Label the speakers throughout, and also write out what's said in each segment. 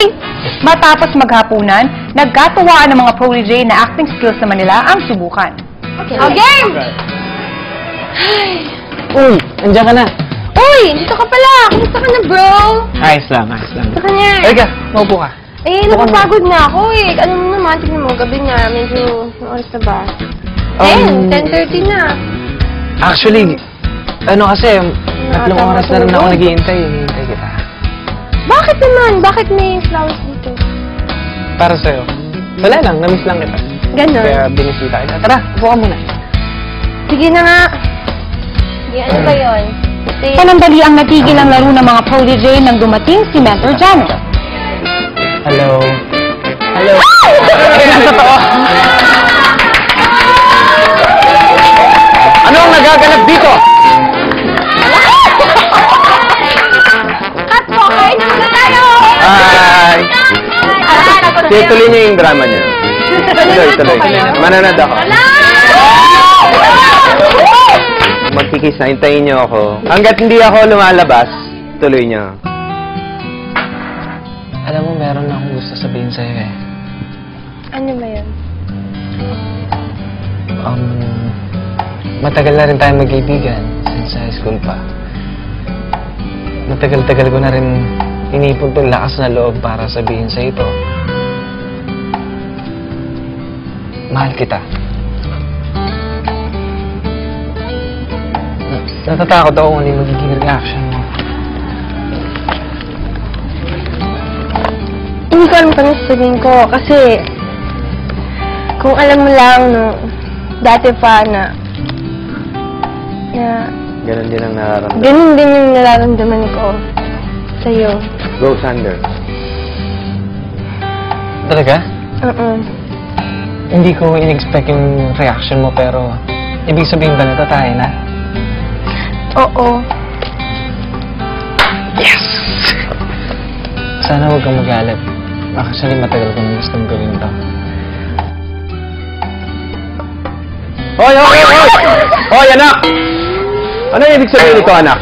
Speaker 1: Matapos maghapunan, nagkatuwaan ng mga protege na acting skills naman nila ang subukan.
Speaker 2: Okay, game!
Speaker 3: Uy, andiyan ka na.
Speaker 2: Uy, dito ka pala. Kumusta ka na, bro?
Speaker 3: Ayos lang, ayos lang.
Speaker 2: Gusto ka niya.
Speaker 3: Halika, maupo ka.
Speaker 2: Eh, napapagod na ako eh. Ano mo naman, tignan mo, gabi na. Medyo, oras na ba? 10:30 na.
Speaker 3: Actually, ano kasi, tatlong
Speaker 2: Tama
Speaker 3: oras na rin
Speaker 2: tulog.
Speaker 3: ako naghihintay. Hinihintay kita.
Speaker 2: Bakit naman? Bakit may flowers dito?
Speaker 3: Para sa'yo. Wala lang, namiss lang kita.
Speaker 2: Ganon.
Speaker 3: Kaya binisita kita. Tara, upo ka muna.
Speaker 2: Sige na nga. Sige, ano ba yun?
Speaker 1: Panandali ang natigil ang laro ng mga protege nang dumating si Mentor Janet.
Speaker 3: Hello. Hello. Ay, totoo. Ano ang nagaganap dito?
Speaker 2: Cut po! Kain na muna tayo!
Speaker 4: Hi! Tuloy niyo yung drama niyo. Tuloy. Mananad ako. Magkikis na, hintayin niyo ako. Hanggat hindi ako lumalabas, tuloy niyo.
Speaker 3: Alam mo, meron akong gusto sabihin sa'yo eh.
Speaker 2: Ano ba yun?
Speaker 3: Matagal na rin tayo magkaibigan since high school pa. Matagal-tagal ko na rin inipon itong lakas na loob para sabihin sa ito. Mahal kita. Natatakot ako kung ano yung magiging reaction mo.
Speaker 2: Hindi ko alam kung ano sasabihin ko kasi kung alam mo lang no, dati pa na
Speaker 4: Ganon din ang nararamdaman.
Speaker 2: ganun din yung nararamdaman ko sa'yo.
Speaker 4: Go, Sander.
Speaker 3: Talaga?
Speaker 2: Hindi
Speaker 3: Hindi ko in-expect yung reaction mo pero ibig sabihin ba nito tayo na?
Speaker 2: Oo.
Speaker 3: Yes! Sana huwag kang magalit. Actually, matagal ko nang gustong gawin to.
Speaker 4: Hoy! Hoy, anak! Ano yung ibig sabihin nito, anak?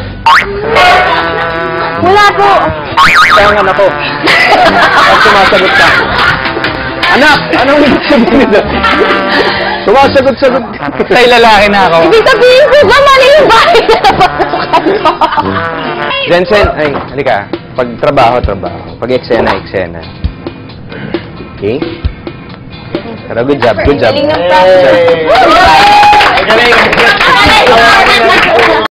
Speaker 2: Wala po.
Speaker 4: Kaya ang anak ko. At sumasagot ka. Anak! Anong ibig sabihin nito? Sumasagot-sagot ka.
Speaker 3: Tay, lalaki na ako.
Speaker 2: Ibig sabihin ko ba mali yung bahay na napasukan ko?
Speaker 4: Jensen, ay, halika. Pag trabaho. Pag eksena. Okay? Pero good job.
Speaker 2: Galing ng process.
Speaker 4: Good job.